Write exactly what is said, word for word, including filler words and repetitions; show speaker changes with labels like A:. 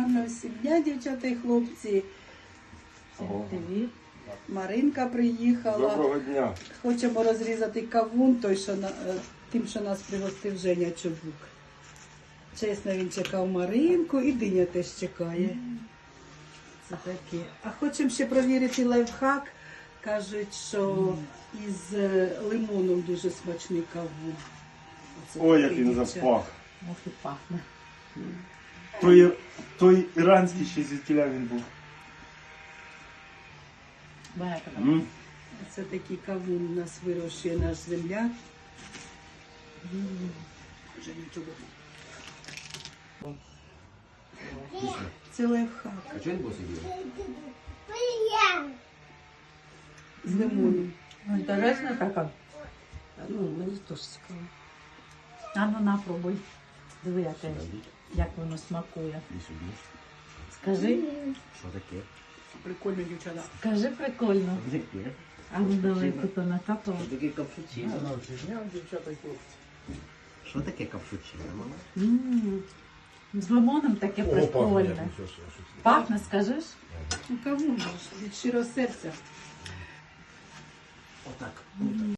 A: гарного всім дня, дівчата і хлопці.
B: Привіт.
A: Маринка приїхала.
C: Доброго дня.
A: Хочемо розрізати кавун, той, що на, е, тим, що нас пригостив Женя Чубук. Чесно, він чекав Маринку і диня теж чекає. Це таке. А хочемо ще провірити лайфхак. Кажуть, що із е, лимоном дуже смачний кавун. Оце
C: Ой, як
A: такий,
C: він
A: дівчата.
C: запах.
B: Ох і пахне.
C: Той, той іранський ще звідтіля він був.
B: Багато.
C: М?
A: Це такий кавун у нас вирощує наш земляк. Женя Чубук. Це лайфхак
D: А чого він босий є?
A: з лимоном.
B: Ну, інтересно така. Ну, мені теж цікаво. А ну на, пробуй. Диви, яке, як воно смакує.
D: І сюди.
B: Скажи,
D: Що таке?
A: Прикольно, дівчата.
B: скажи прикольно.
D: Таке?
B: А ну далеко то накапало.
D: Що таке капучино? Що таке капучино, мама?
B: М, З лимоном таке прикольне. Пахне, скажеш?
A: Ну, кавун же ж від щирого серця.
D: Отак.